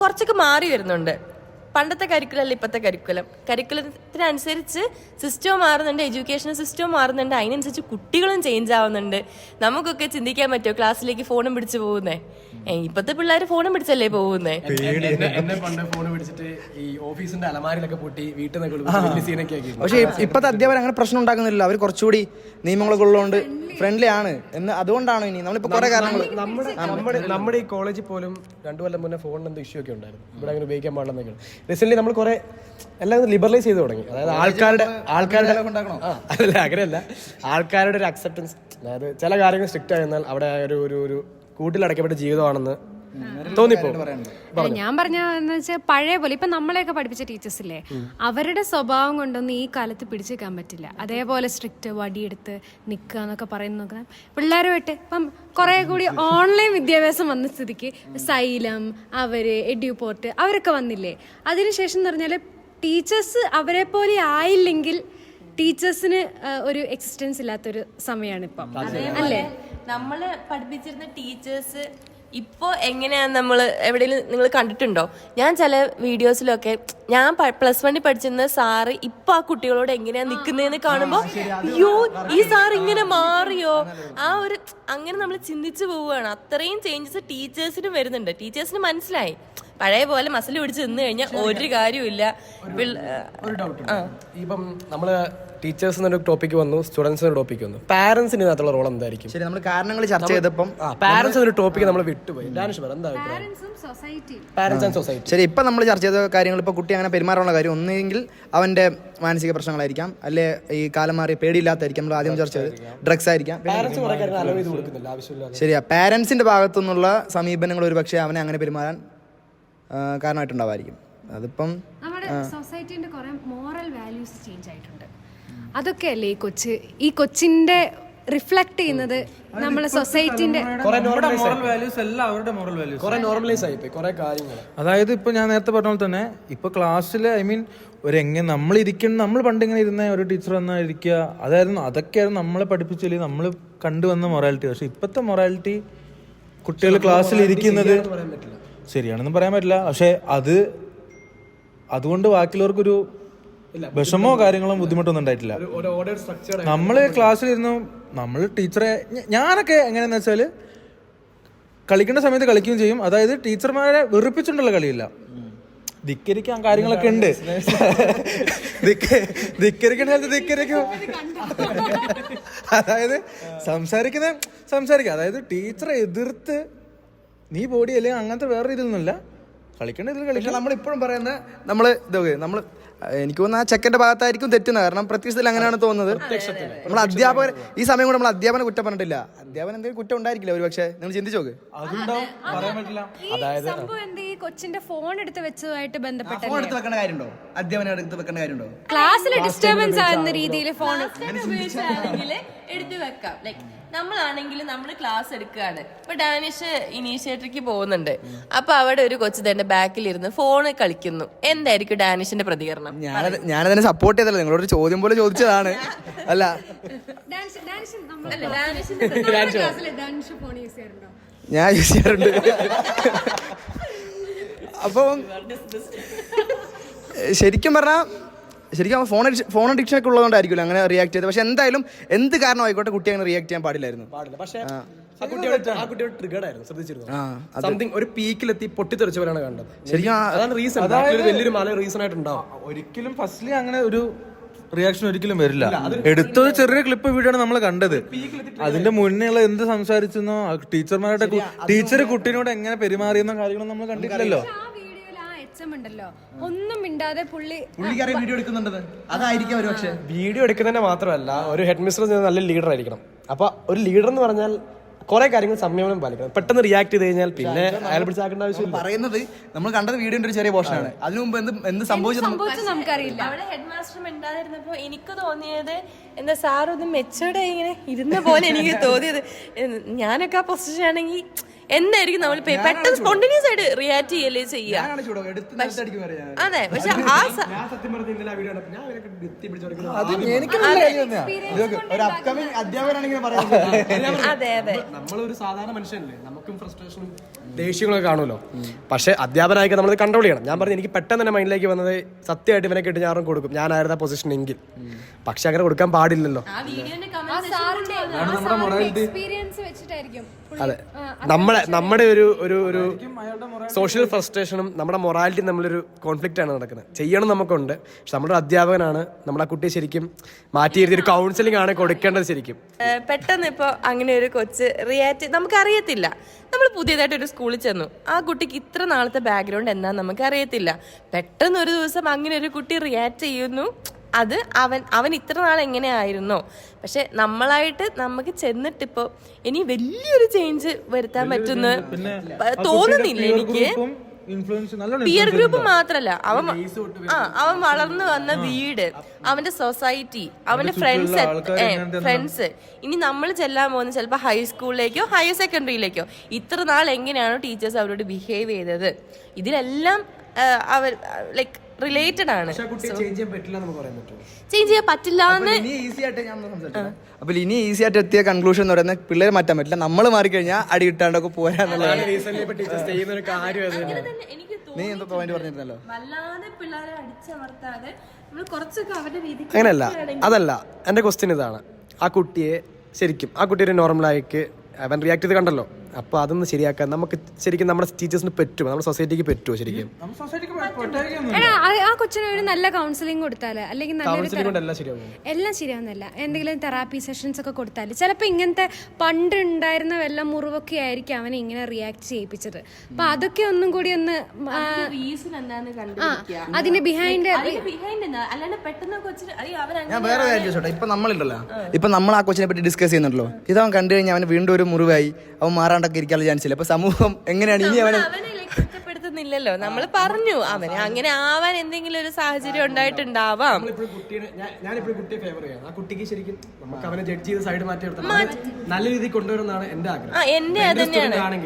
കുറച്ചൊക്കെ മാറി വരുന്നുണ്ട്. പണ്ടത്തെ കരിക്കുലം അല്ല ഇപ്പോഴത്തെ കരിക്കുലത്തിനനുസരിച്ച് സിസ്റ്റവും മാറുന്നുണ്ട്, എഡ്യൂക്കേഷൻ സിസ്റ്റവും മാറുന്നുണ്ട്, അതിനനുസരിച്ച് കുട്ടികളും ചേഞ്ച് ആവുന്നുണ്ട്. നമുക്കൊക്കെ ചിന്തിക്കാൻ പറ്റുമോ ക്ലാസ്സിലേക്ക് ഫോണും പിടിച്ച് പോകുന്നേ? ഇപ്പത്തെ പിള്ളേർ ഫോണും പിടിച്ചല്ലേ പോകുന്നേ. എന്നെ പണ്ട് ഫോൺ പിടിച്ചിട്ട് ഈ ഓഫീസിന്റെ അലമാരിലൊക്കെ പൂട്ടി വീട്ടിൽ നിന്ന് സീനൊക്കെ ആക്കി. പക്ഷേ ഇപ്പത്തെ അധ്യാപകർ അങ്ങനെ പ്രശ്നം ഉണ്ടാക്കുന്നില്ല. അവർ കുറച്ചുകൂടി നിയമങ്ങളൊക്കെ ഉള്ളതുകൊണ്ട് ഫ്രണ്ട്ലി ആണ് എന്ന്. അതുകൊണ്ടാണോ ഇനി നമ്മളിപ്പോ കുറെ കാരണങ്ങൾ നമ്മുടെ ഈ കോളേജിൽ പോലും 2 കൊല്ലം മുന്നേ ഫോണിന് എന്തോ ഇഷ്യൂ ഒക്കെ ഉണ്ടായിരുന്നു. ഇവിടെ അങ്ങനെ ഉപയോഗിക്കാൻ പാടില്ലെന്നൊക്കെ റീസെന്റ് നമ്മൾ കുറെ എല്ലാം ലിബറലൈസ് ചെയ്ത് തുടങ്ങി. അതായത് ആൾക്കാരുടെ അല്ല അങ്ങനെയല്ല, ആൾക്കാരുടെ ഒരു അക്സെപ്റ്റൻസ്. അതായത് ചില കാര്യങ്ങൾ സ്ട്രിക്റ്റ് ആയിരുന്നാൽ അവിടെ ഒരു കൂട്ടിലടക്കപ്പെട്ട ജീവിതമാണെന്ന് തോന്നിപ്പോ. ഞാൻ പറഞ്ഞെന്ന് വെച്ചാൽ പഴയ പോലെ ഇപ്പൊ നമ്മളെയൊക്കെ പഠിപ്പിച്ച ടീച്ചേഴ്സ് ഇല്ലേ, അവരുടെ സ്വഭാവം കൊണ്ടൊന്നും ഈ കാലത്ത് പിടിച്ചേക്കാൻ പറ്റില്ല. അതേപോലെ സ്ട്രിക്റ്റ് വടിയെടുത്ത് നിൽക്കുക എന്നൊക്കെ പറയുന്ന പിള്ളേരുമായിട്ട് ഇപ്പം കുറെ കൂടി ഓൺലൈൻ വിദ്യാഭ്യാസം വന്ന സ്ഥിതിക്ക് സൈലം, അവര് എഡ്യൂപോർട്ട് അവരൊക്കെ വന്നില്ലേ. അതിനുശേഷം എന്ന് പറഞ്ഞാൽ ടീച്ചേഴ്സ് അവരെ പോലെ ആയില്ലെങ്കിൽ ടീച്ചേഴ്സിന് ഒരു എക്സിസ്റ്റൻസ് ഇല്ലാത്തൊരു സമയമാണ് ഇപ്പം, അല്ലേ? നമ്മള് പഠിപ്പിച്ചിരുന്ന ടീച്ചേഴ്സ് ഇപ്പോ എങ്ങനെയാന്ന് നമ്മൾ എവിടെയെങ്കിലും നിങ്ങൾ കണ്ടിട്ടുണ്ടോ? ഞാൻ ചില വീഡിയോസിലൊക്കെ ഞാൻ +1 പഠിച്ചിരുന്ന സാറ് ഇപ്പൊ ആ കുട്ടികളോട് എങ്ങനെയാ നിക്കുന്നതെന്ന് കാണുമ്പോ അയ്യോ ഈ സാർ ഇങ്ങനെ മാറിയോ, അങ്ങനെ നമ്മൾ ചിന്തിച്ചു പോവുകയാണ്. അത്രയും ചേഞ്ചസ് ടീച്ചേഴ്സിനും വരുന്നുണ്ട്. ടീച്ചേഴ്സിന് മനസ്സിലായി പഴയ പോലെ മസിൽ പിടിച്ച് നിന്ന് കഴിഞ്ഞാൽ ഒരു കാര്യമില്ല. ഒരു ഡൗട്ട്, ഇപ്പം നമ്മള് ടീച്ചേഴ്സ് എന്നൊരു ടോപ്പിക്ക് വന്നു, സ്റ്റുഡൻസ് ഒരു ടോപ്പിക്ക് വന്നു, പാരന്റ്സിന് ഇതിനകത്തുള്ള റോൾ എന്തായിരിക്കും? ശരി, നമ്മൾ കാരണങ്ങൾ ചർച്ച ചെയ്തപ്പം പാരന്റ്സ് എന്നൊരു ടോപ്പിക്ക് നമ്മൾ വിട്ടുപോയി. ശരി, ഇപ്പം നമ്മൾ ചർച്ച ചെയ്ത കാര്യങ്ങൾ, ഇപ്പോൾ കുട്ടി അങ്ങനെ പെരുമാറാനുള്ള കാര്യം ഒന്നെങ്കിൽ അവന്റെ മാനസിക പ്രശ്നങ്ങളായിരിക്കാം, അല്ലെ ഈ കാലം മാറി പേടിയില്ലാത്തായിരിക്കും. നമ്മൾ ആദ്യം ചർച്ച ചെയ്ത് ഡ്രഗ്സ് ആയിരിക്കാം. ശരിയാ, പാരന്റ്സിന്റെ ഭാഗത്തുനിന്നുള്ള സമീപനങ്ങൾ ഒരു പക്ഷേ അവനെ അങ്ങനെ പെരുമാറാൻ കാരണമായിട്ടുണ്ടാവായിരിക്കും. അതിപ്പം നമ്മുടെ സൊസൈറ്റിന്റെ കുറെ മോറൽ വാല്യൂസ് ചേഞ്ച് ആയിട്ടുണ്ട്. അതൊക്കെ അല്ലേ ഈ കൊച്ചിന്റെ റിഫ്ലക്ട് ചെയ്യുന്നത് നമ്മളെ സൊസൈറ്റിന്റെ നോർമലൈസ് ആയിപ്പോയി കുറെ കാര്യങ്ങൾ. അതായത് ഇപ്പൊ ഞാൻ നേരത്തെ പറഞ്ഞ പോലെ തന്നെ ഇപ്പൊ ക്ലാസ്സിൽ നമ്മൾ ഇരിക്കുന്ന, നമ്മൾ പണ്ട് ഇങ്ങനെ ഇരുന്ന ഒരു ടീച്ചർ വന്നാൽ ഇരിക്കുക, അതൊക്കെയായിരുന്നു നമ്മളെ പഠിപ്പിച്ചില്ലേ നമ്മൾ കണ്ടുവന്ന മൊറാലിറ്റി. പക്ഷെ ഇപ്പത്തെ മൊറാലിറ്റി കുട്ടികൾ ക്ലാസ്സിൽ ഇരിക്കുന്നത് ശരിയാണെന്ന് പറയാൻ പറ്റില്ല. പക്ഷെ അതുകൊണ്ട് ബാക്കിയുള്ളവർക്കൊരു വിഷമോ കാര്യങ്ങളോ ബുദ്ധിമുട്ടൊന്നും ഉണ്ടായിട്ടില്ല. നമ്മള് ക്ലാസ്സിലിരുന്നു, നമ്മൾ ടീച്ചറെ, ഞാനൊക്കെ എങ്ങനെയാന്ന് വെച്ചാല് കളിക്കേണ്ട സമയത്ത് കളിക്കുകയും ചെയ്യും. അതായത് ടീച്ചർമാരെ വെറുപ്പിച്ചിട്ടുള്ള കളിയില്ല, ധിക്കരിക്കാൻ കാര്യങ്ങളൊക്കെ ഉണ്ട്. ധിക്കരിക്കും, അതായത് സംസാരിക്കുക. അതായത് ടീച്ചറെ എതിർത്ത് നീ ബോഡി അല്ലെങ്കിൽ അങ്ങനത്തെ വേറെ രീതിയിലൊന്നുമില്ല, കളിക്കേണ്ട ഇതിൽ കളിക്കണം. നമ്മളിപ്പോഴും പറയുന്നത് നമ്മൾ എനിക്ക് തോന്നുന്നു ആ ചെക്കന്റെ ഭാഗത്തായിരിക്കും തെറ്റുന്നത്. കാരണം പ്രത്യക്ഷത്തിൽ അങ്ങനെയാണ് തോന്നുന്നത്. നമ്മൾ അധ്യാപകർ ഈ സമയം കൂടെ നമ്മൾ അധ്യാപനം കുറ്റം പറഞ്ഞിട്ടില്ല. അധ്യാപനം എന്തെങ്കിലും കുറ്റം ഉണ്ടായിരിക്കില്ല ഒരു പക്ഷേ, നിങ്ങൾ ചിന്തിച്ചു നോക്ക്. പറയാൻ പറ്റില്ല. അതായത് ഈ കൊച്ചിന്റെ ഫോൺ എടുത്ത് വെച്ചതുമായിട്ട് ബന്ധപ്പെട്ട ഫോൺ എടുത്ത് വെക്കേണ്ട കാര്യമുണ്ടോ? അധ്യാപനം എടുത്ത് വെക്കേണ്ട കാര്യമുണ്ടോ? ക്ലാസ്സിൽ ഡിസ്റ്റർബൻസ് ആകുന്ന രീതിയിൽ ഫോൺ ഉപയോഗിച്ചാണെങ്കിൽ എടുത്തു വെക്കാം. ലൈക്ക് നമ്മളാണെങ്കിലും നമ്മൾ ക്ലാസ് എടുക്കുകയാണ്, ഇപ്പൊ ഡാനിഷ് ഇനീഷ്യേറ്ററിക്ക് പോകുന്നുണ്ട്, അപ്പൊ അവിടെ ഒരു കൊച്ചു തന്നെ ബാക്കിലിരുന്ന് ഫോണ് കളിക്കുന്നു. എന്തായിരിക്കും ഡാനിഷിന്റെ പ്രതികരണം? ഞാനതിനെ സപ്പോർട്ട് ചെയ്തല്ലോ, നിങ്ങളോട് ചോദ്യം പോലെ ചോദിച്ചതാണ്. അല്ല, ഞാൻ യൂസ് ചെയ്യാറുണ്ട്. അപ്പം ശരിക്കും ഫോൺ അഡിക്ഷൻ ഒക്കെ ഉള്ളതുകൊണ്ടായിരിക്കുമല്ലോ അങ്ങനെ റിയാക്ട് ചെയ്തത്. പക്ഷെ എന്തായാലും എന്ത് കാരണം ആയിക്കോട്ടെ കുട്ടി അങ്ങനെ റിയാക്ട് ചെയ്യാൻ പാടില്ലായിരുന്നു. പക്ഷേ ആ കുട്ടിയുടെ ട്രിഗർഡ് ആയിരുന്നു, ശ്രദ്ധിച്ചിരുന്നു. സംതിങ് ഒരു പീക്കിലെത്തി പൊട്ടിത്തെറിച്ചവരാണ് കണ്ടത്. ശരിക്കും അതാണ് റീസൺ. വലിയൊരു മല റീസൺ ആയിട്ടുണ്ടാവും. ഒരിക്കലും ഫസ്റ്റ്ലി അങ്ങനെ ഒരു റിയാക്ഷൻ ഒരിക്കലും വരില്ല. എടുത്തൊരു ചെറിയ ക്ലിപ്പ് വീഡിയോ ആണ് നമ്മൾ കണ്ടത്. അതിന്റെ മുന്നേ ഉള്ള എന്ത് സംസാരിച്ചെന്നോ, ടീച്ചർ കുട്ടീനോട് എങ്ങനെ പെരുമാറിയെന്നോ കാര്യങ്ങളൊന്നും നമ്മൾ കണ്ടിട്ടില്ലല്ലോ. ണ്ടല്ലോ ഒന്നും മിണ്ടാതെ പുള്ളിക്കാരെ വീഡിയോ എടുക്കുന്നുണ്ടത് അതായിരിക്കും ഒരു പക്ഷേ. വീഡിയോ എടുക്കുന്നതിന് മാത്രമല്ല, ഒരു ഹെഡ് മിസ്റ്റർ നല്ല ലീഡർ ആയിരിക്കണം. അപ്പൊ ഒരു ലീഡർ എന്ന് പറഞ്ഞാൽ കുറെ കാര്യങ്ങൾ സംയമനം പാലിക്കണം. പെട്ടെന്ന് റിയാക്ട് ചെയ്ത് കഴിഞ്ഞാൽ പിന്നെ അയാൾ പിടിച്ചാക്കേണ്ട ആവശ്യമില്ല. പറയുന്നത് നമ്മൾ കണ്ടത് വീഡിയോന്റെ ഒരു ചെറിയ പോർഷനാണ്. അതിനു മുമ്പ് എന്ത് സംഭവിച്ചത് നമുക്കറിയില്ല. അവിടെ ഹെഡ് മാസ്റ്റർ മിണ്ടാതിരുന്നപ്പോ എനിക്ക് തോന്നിയത് എന്താ സാറൊന്ന് മെച്ചോടെ ഇങ്ങനെ ഇരുന്ന പോലെ എനിക്ക് തോന്നിയത്. ഞാനൊക്കെ ആ പൊസിഷൻ ആണെങ്കിൽ എന്തായിരിക്കും നമ്മൾ പെട്ടെന്ന് സ്പോണ്ടേനിയസ് ആയിട്ട് റിയാക്ട് ചെയ്യല്ലേ ചെയ്യുക. അതെ, പക്ഷെ ഒരു അപ്കമിങ് അധ്യാപകരാണെങ്കിൽ അതെ നമ്മളൊരു സാധാരണ മനുഷ്യനല്ലേ, നമുക്കും ഫ്രസ്ട്രേഷനും ദേഷ്യങ്ങളൊക്കെ കാണുമല്ലോ. പക്ഷേ അധ്യാപനമായിട്ട് നമ്മളത് കൺട്രോൾ ചെയ്യണം. ഞാൻ പറഞ്ഞു എനിക്ക് പെട്ടെന്ന് തന്നെ മൈൻഡിലേക്ക് വന്നത് സത്യമായിട്ട് ഇവനെ കിട്ടി ഞാൻ കൊടുക്കും, ഞാനായിരുന്നു ആ പൊസിഷൻ എങ്കിൽ. പക്ഷെ അങ്ങനെ കൊടുക്കാൻ പാടില്ലല്ലോ. എക്സ്പീരിയൻസ് വെച്ചിട്ടായിരിക്കും. അതെ, നമ്മുടെ ഒരു സോഷ്യൽ ഫ്രസ്ട്രേഷനും നമ്മുടെ മൊറാലിറ്റി നമ്മളൊരു കോൺഫ്ലിക്റ്റ് ആണ് നടക്കുന്നത്. ചെയ്യണം നമുക്കുണ്ട്, പക്ഷെ നമ്മുടെ അധ്യാപകനാണ് നമ്മുടെ ആ കുട്ടിയെ ശരിക്കും മാറ്റിയിരുത്തി ഒരു കൗൺസിലിംഗ് ആണ് കൊടുക്കേണ്ടത് ശരിക്കും. പെട്ടെന്ന് ഇപ്പൊ അങ്ങനെ ഒരു കൊച്ച് റിയാക്ട് നമുക്കറിയത്തില്ല. നമ്മൾ പുതിയതായിട്ട് ഒരു സ്കൂളിൽ ചെന്നു, ആ കുട്ടിക്ക് ഇത്ര നാളത്തെ ബാക്ക്ഗ്രൗണ്ട് എന്താന്ന് നമുക്ക് അറിയത്തില്ല. പെട്ടെന്ന് ഒരു ദിവസം അങ്ങനെ ഒരു കുട്ടി റിയാക്ട് ചെയ്യുന്നു. അത് അവൻ ഇത്ര നാൾ എങ്ങനെയായിരുന്നോ. പക്ഷെ നമ്മളായിട്ട് നമുക്ക് ചെന്നിട്ടിപ്പോ ഇനി വലിയൊരു ചേഞ്ച് വരുത്താൻ പറ്റുന്ന തോന്നുന്നില്ല എനിക്ക്. പിയർ ഗ്രൂപ്പ് മാത്രല്ല, അവൻ വളർന്നു വന്ന വീട്, അവന്റെ സൊസൈറ്റി, അവന്റെ ഫ്രണ്ട്സ്. ഇനി നമ്മൾ ചെല്ലാൻ പോകുന്നത് ചിലപ്പോ ഹൈസ്കൂളിലേക്കോ ഹയർ സെക്കൻഡറിയിലേക്കോ. ഇത്ര നാൾ എങ്ങനെയാണോ ടീച്ചേഴ്സ് അവരോട് ബിഹേവ് ചെയ്തത്, ഇതിലെല്ലാം അവർ ലൈക്ക് റിലേറ്റഡ് ആണ്. ചേഞ്ച് ചെയ്യാൻ പറ്റില്ല അപ്പൊ ഇനി ഈസി ആയിട്ട് എത്തിയ കൺക്ലൂഷൻ എന്ന് പറയുന്നത് പിള്ളേരെ മാറ്റാൻ പറ്റില്ല, നമ്മൾ മാറിക്കഴിഞ്ഞാൽ അടി കിട്ടാണ്ടൊക്കെ പോരാന്നുള്ളതാണ്. നീ എന്താ പോയിന്റ് പറഞ്ഞിരുന്നല്ലോ, വല്ലാതെ പിള്ളേരെ അടിച്ചമർത്താതെ നമ്മൾ കുറച്ചൊക്കെ അവരുടെ രീതി. അങ്ങനെയല്ല, അതല്ല എന്റെ ക്വസ്റ്റ്യൻ ഇതാണ്. ആ കുട്ടിയെ ശരിക്കും ആ കുട്ടി ഒരു നോർമലായിക്ക് അവൻ റിയാക്ട് ചെയ്ത് കണ്ടല്ലോ. അപ്പൊ അതൊന്ന് ശരിയാക്കാൻ നമുക്ക് ശരിക്കും നമ്മുടെ ടീച്ചേഴ്സിന് പറ്റുമോ, നമ്മുടെ സൊസൈറ്റിക്ക് പറ്റുമോ ശരിക്കും? ആ കൊച്ചിന് ഒരു നല്ല കൗൺസിലിംഗ് കൊടുത്താല്, അല്ലെങ്കിൽ എല്ലാം ശരിയാവുന്നില്ല, എന്തെങ്കിലും തെറാപ്പി സെഷൻസ് ഒക്കെ കൊടുത്താല് ചിലപ്പോ ഇങ്ങനത്തെ പണ്ട് ഉണ്ടായിരുന്ന വല്ല മുറിവൊക്കെ ആയിരിക്കും അവനെ ഇങ്ങനെ റിയാക്ട് ചെയ്യിപ്പിച്ചത്. അപ്പൊ അതൊക്കെ ഒന്നും കൂടി ഒന്ന് അതിന്റെ ബിഹൈൻഡ് അല്ലാണ്ട് പെട്ടെന്ന് കൊച്ചിന് ഞാൻ വേറെ കാര്യം ചോദിച്ചോട്ടെ. ഇപ്പൊ നമ്മളുണ്ടല്ലോ, ഇപ്പൊ നമ്മൾ ആ കൊച്ചിനെ പറ്റി ഡിസ്കസ് ചെയ്യുന്നുണ്ടല്ലോ, ഇതവൻ കണ്ടു കഴിഞ്ഞാൽ അവന് വീണ്ടും ഒരു മുറിവായി അവൻ മാറാണ്ടൊക്കെ ഇരിക്കാനുള്ള ചാൻസ് ഇല്ല. അപ്പൊ സമൂഹം എങ്ങനെയാണ് ഇനി അവനെ കുറ്റപ്പെടുത്തുന്നില്ലല്ലോ. നമ്മൾ പറഞ്ഞു അവന് അങ്ങനെ ആവാൻ എന്തെങ്കിലും ഒരു സാഹചര്യം ഉണ്ടായിട്ടുണ്ടാവാം. ഞാനിപ്പോഴും കുട്ടിയെ ഫേവർ ചെയ്യാം. ആ കുട്ടിക്ക് ശരിക്കും നമുക്ക് അവനെ ജഡ്ജ് ചെയ്ത് സൈഡ് മാറ്റി നല്ല രീതിയിൽ കൊണ്ടുവരുന്നതാണ് എന്റെ ആഗ്രഹം. എന്റെ അതന്നെയാണ്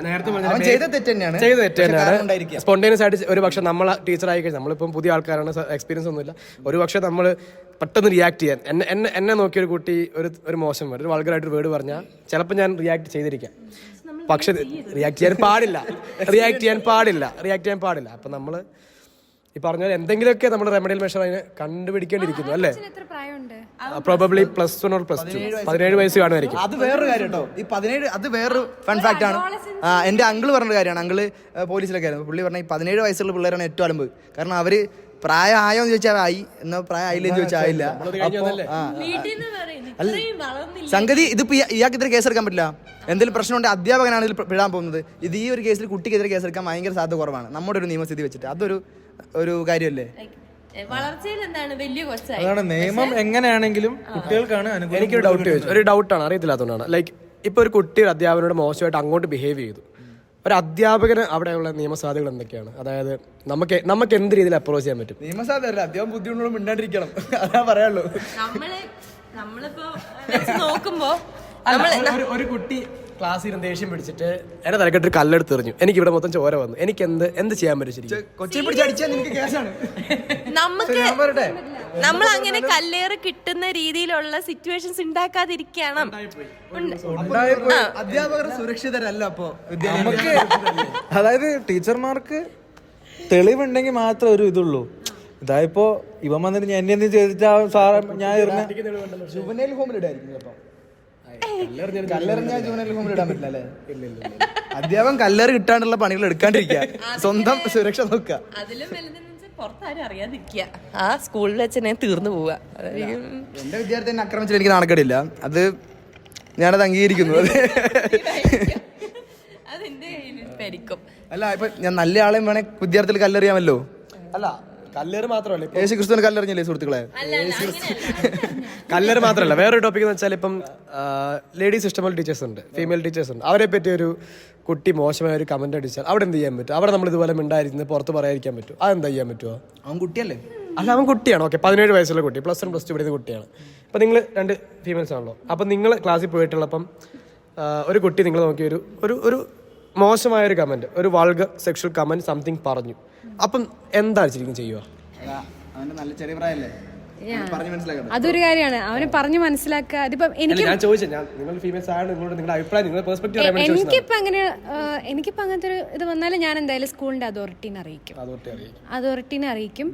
സ്പോണ്ടേനിയസ് ആയിട്ട് ഒരു പക്ഷെ നമ്മളെ ടീച്ചർ ആയി കഴിഞ്ഞാൽ നമ്മളിപ്പം പുതിയ ആൾക്കാരാണ്, എക്സ്പീരിയൻസ് ഒന്നുമില്ല. ഒരു പക്ഷെ നമ്മൾ പെട്ടെന്ന് റിയാക്ട് ചെയ്യാൻ എന്നെ നോക്കിയ ഒരു കുട്ടി ഒരു മോശം വേർഡ്, ഒരു വൾഗറായിട്ട് വേർഡ് പറഞ്ഞാൽ ചിലപ്പോൾ ഞാൻ റിയാക്ട് ചെയ്തിരിക്കാം. പക്ഷെ റിയാക്ട് ചെയ്യാൻ പാടില്ല. അപ്പൊ നമ്മള് ഈ പറഞ്ഞ എന്തെങ്കിലുമൊക്കെ നമ്മൾ റെമഡിയൽ മെഷർ അതിനെ കണ്ടുപിടിക്കേണ്ടിയിരിക്കുന്നു അല്ലേ? പ്രോബബ്ലി +1 or +2 17 വയസ്സ് കാണുമായിരിക്കും. അത് വേറൊരു കാര്യം കേട്ടോ. ഈ 17 അത് വേറൊരു ഫൺ ഫാക്ട് ആണ്. എന്റെ അങ്കിള് പറഞ്ഞ കാര്യമാണ്. അങ്കിള് പോലീസിലൊക്കെ ആയിരുന്നു. പുള്ളി പറഞ്ഞ ഈ 17 വയസ്സുള്ള പിള്ളേരാണ് ഏറ്റവും അലമ്പ്. കാരണം അവര് പ്രായം ആയോ എന്ന് ചോദിച്ചാൽ ആയി, എന്നാ പ്രായം ആയില്ലെന്ന് ചോദിച്ചാൽ ആയില്ല. സംഗതി ഇതിപ്പോ ഇയാൾക്കെതിരെ കേസെടുക്കാൻ പറ്റില്ല. എന്തെങ്കിലും പ്രശ്നമുണ്ട് അധ്യാപകനാണ് ഇതിൽ വിടാൻ പോകുന്നത്. ഇത് ഈ ഒരു കേസിൽ കുട്ടിക്കെതിരെ കേസെടുക്കാൻ ഭയങ്കര സാധ്യത കുറവാണ് നമ്മുടെ ഒരു നിയമസ്ഥിതി വെച്ചിട്ട്. അതൊരു കാര്യമല്ലേ? വളർച്ചയിൽ എന്താണ് വലിയ കൊച്ചായി. അതാണ് നിയമം എങ്ങനെയാണെങ്കിലും കുട്ടികൾക്കാണ്. എനിക്കൊരു ഡൗട്ടാണ്, അറിയത്തില്ലാത്തതുകൊണ്ടാണ്. ലൈക്ക് ഇപ്പൊ ഒരു കുട്ടി ഒരു അധ്യാപകനോട് മോശമായിട്ട് അങ്ങോട്ട് ബിഹേവ് ചെയ്തു. ഒരു അധ്യാപകന് അവിടെയുള്ള നിയമസാധ്യതകൾ എന്തൊക്കെയാണ്? അതായത് നമുക്ക് എന്ത് രീതിയിൽ അപ്രോച്ച് ചെയ്യാൻ പറ്റും? നിയമസാധ്യത അധ്യാപകം ബുദ്ധിമുട്ടുള്ള മിണ്ടാണ്ടിരിക്കണം, അതാ പറയാനുള്ളൂ. നമ്മളിപ്പോ നോക്കുമ്പോ ഒരു കുട്ടി ക്ലാസ്സിൽ ദേഷ്യം പിടിച്ചിട്ട് എന്നെ തലക്കെട്ടൊരു കല്ലെടുത്ത് എറിഞ്ഞു, എനിക്ക് ഇവിടെ മൊത്തം ചോര വന്നു, എനിക്ക് എന്ത് ചെയ്യാൻ പറ്റും ശരിക്കും? കൊച്ചിയെ പിടിച്ചടിച്ചാൽ നിനക്ക് കേസാണ്. നമ്മൾ അങ്ങനെ കല്ലേറ് കിട്ടുന്ന രീതിയിലുള്ള സിറ്റുവേഷൻസ് ഉണ്ടാക്കാതിരിക്കണം. അധ്യാപകർ സുരക്ഷിതരല്ല. അപ്പോ നമുക്ക് അതായത് ടീച്ചർമാർക്ക് തെളിവുണ്ടെങ്കിൽ മാത്രമേ ഒരു ഇതുള്ളൂ. ഇതായിപ്പോ ഇവൻ വന്നിട്ട് എന്നെ എന്ത് ചോദിച്ചാ സാറ് ഞാൻ ജുവനൈൽ ഹോമിലിടായിരിക്കും. കല്ലെറിഞ്ഞാൽ ജുവനൈൽ ഹോമിൽ ഇടാൻ പറ്റില്ല അല്ലേ? അധ്യാപകൻ കല്ലേറ് കിട്ടാണ്ടുള്ള പണികൾ എടുക്കാണ്ടിരിക്കുക, സ്വന്തം സുരക്ഷ നോക്കുക. അതിലും പുറത്താരും അറിയാതിരിക്കുക. ആ സ്കൂളിൽ വെച്ച് ഞാൻ തീർന്നു പോവുക. എന്റെ വിദ്യാർത്ഥി എന്നെ ആക്രമിച്ചിട്ട് എനിക്ക് നാണക്കേടില്ല, അത് ഞാനത് അംഗീകരിക്കുന്നു. അല്ല ഇപ്പൊ ഞാൻ നല്ല ആളെയും വേണേ വിദ്യാർത്ഥികൾ കല്ലെറിയാമല്ലോ. അല്ല കല്ലേറ് മാത്രമല്ല, യേശു ക്രിസ്തുവിനെ കല്ലെറിഞ്ഞില്ലേ സുഹൃത്തുക്കളെ? കല്ലേറ് മാത്രമല്ല, വേറൊരു ടോപ്പിക് എന്ന് വെച്ചാൽ ഇപ്പം ലേഡീസ് ഇഷ്ടംപോലെ ടീച്ചേഴ്സ് ഉണ്ട്, ഫീമെയിൽ ടീച്ചേഴ്സ് ഉണ്ട്. അവരെ പറ്റി ഒരു കുട്ടി മോശമായ ഒരു കമന്റ് അടിച്ചാൽ അവിടെ എന്ത് ചെയ്യാൻ പറ്റും? അവിടെ നമ്മൾ ഇതുപോലെ മിണ്ടായിരിക്കുന്നത് പുറത്ത് പറയാതിരിക്കാൻ പറ്റും? അതെന്താ ചെയ്യാൻ പറ്റുമോ? അവൻ കുട്ടിയല്ലേ? അല്ല അവൻ കുട്ടിയാണ്. ഓക്കെ, 17 വയസ്സുള്ള കുട്ടി, +1 +2 പഠിക്കുന്ന കുട്ടിയാണ്. അപ്പം നിങ്ങൾ 2 ഫീമെയിൽസ് ആണല്ലോ. അപ്പം നിങ്ങൾ ക്ലാസ്സിൽ പോയിട്ടുള്ളപ്പം ഒരു കുട്ടി നിങ്ങൾ നോക്കി ഒരു മോശമായൊരു കമന്റ്, ഒരു വൾഗർ സെക്ഷൽ കമന്റ് സംതിങ് പറഞ്ഞു, അപ്പം എന്താ ശരിക്കും ചെയ്യുക? അവന്റെ നല്ല ചെറിയ പ്രായമല്ലേ? പറഞ്ഞു മനസ്സിലാക്കണം. അതൊരു കാര്യമാണ്, അവന് പറഞ്ഞു മനസ്സിലാക്കുക. അതിപ്പം എനിക്ക് ഞാൻ ചോദിച്ചത്, ഞാൻ നിങ്ങൾ ഫീമെയിൽസ് ആണ്, നിങ്ങളുടെ അഭിപ്രായം, നിങ്ങളുടെ പെർസ്പെക്റ്റീവ് അറിയാൻ വേണ്ടി എനിക്കിപ്പോ അങ്ങനെ എനിക്കിപ്പോ അങ്ങനത്തെ ഒരു ഇത് വന്നാലും ഞാൻ എന്തായാലും സ്കൂളിന്റെ അതോറിറ്റീനെ അറിയിക്കും. അതോറിറ്റീനെ അറിയിക്കും.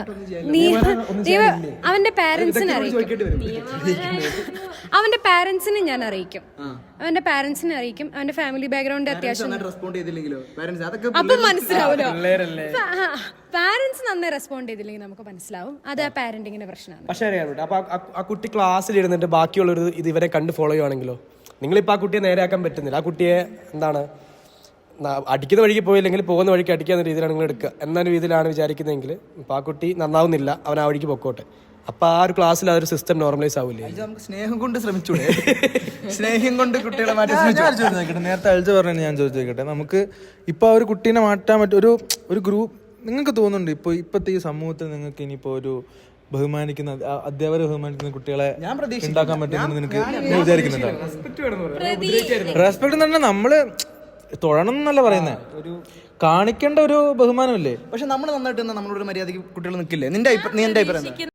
അവന്റെ പാരന്റ്സിനെ അറിയിക്കും. അവന്റെ പാരന്റ്സിനെ ഞാൻ അറിയിക്കും. അവന്റെ പാരന്റ്സിനെ അറിയിക്കും. അവന്റെ ഫാമിലി ബാക്ക്ഗ്രൗണ്ട് അത്യാവശ്യം റെസ്പോണ്ട് ചെയ്തില്ലെങ്കിലോ പാരന്റ്സ് അതൊക്കെ അപ്പൊ മനസ്സിലാവൂലോ. പാരന്റ്സ് നന്നായി റെസ്പോണ്ട് ചെയ്തില്ലെങ്കിൽ നമുക്ക് മനസ്സിലാവും അത് ആ പാരന്റിങ്ങിന്റെ പ്രശ്നമാണ്. പക്ഷേ അറിയാം. അപ്പൊ ആ കുട്ടി ക്ലാസ്സിൽ ഇരുന്നിട്ട് ബാക്കിയുള്ളൊരു ഇത് ഇവരെ കണ്ട് ഫോളോ ചെയ്യുവാണെങ്കിലോ, നിങ്ങളിപ്പോൾ ആ കുട്ടിയെ നേരെയാക്കാൻ പറ്റുന്നില്ല. ആ കുട്ടിയെ എന്താണ് അടിക്കുന്ന വഴിക്ക് പോയില്ലെങ്കിൽ പോകുന്ന വഴിക്ക് അടിക്കാവുന്ന രീതിയിലാണ് നിങ്ങൾ എടുക്കുക എന്നൊരു രീതിയിലാണ് വിചാരിക്കുന്നതെങ്കിൽ ഇപ്പോൾ ആ കുട്ടി നന്നാവുന്നില്ല, അവൻ ആ വഴിക്ക് പൊക്കോട്ടെ. അപ്പൊ ആ ഒരു ക്ലാസ്സിൽ ആ ഒരു സിസ്റ്റം നോർമലൈസ് ആവില്ലേ? നമുക്ക് സ്നേഹം കൊണ്ട് ശ്രമിച്ചൂടെ? സ്നേഹം കൊണ്ട് കുട്ടികളെ മാറ്റി നേരത്തെ അയച്ച പറഞ്ഞു, ഞാൻ ചോദിച്ചോട്ടെ, നമുക്ക് ഇപ്പൊ ആ ഒരു കുട്ടീനെ മാറ്റാൻ പറ്റും ഒരു ഗ്രൂപ്പ് നിങ്ങൾക്ക് തോന്നുന്നുണ്ട് ഇപ്പോഴത്തെ ഈ സമൂഹത്തിൽ നിങ്ങൾക്ക് ഇനിയിപ്പോ ഒരു ബഹുമാനിക്കുന്ന അധ്യാപകരെ ബഹുമാനിക്കുന്ന കുട്ടികളെ ഉണ്ടാക്കാൻ പറ്റുമെന്ന് നിനക്ക് വിചാരിക്കുന്നുണ്ടോ? റെസ്പെക്ട് എന്ന് പറഞ്ഞാൽ നമ്മള് തൊഴണം എന്നല്ല പറയുന്നത്, ഒരു കാണിക്കേണ്ട ഒരു ബഹുമാനമല്ലേ? പക്ഷെ നമ്മൾ നന്നായിട്ട് നമ്മളോട് മര്യാദയ്ക്ക് കുട്ടികൾ നിൽക്കില്ലേ? നിന്റെ അഭിപ്രായം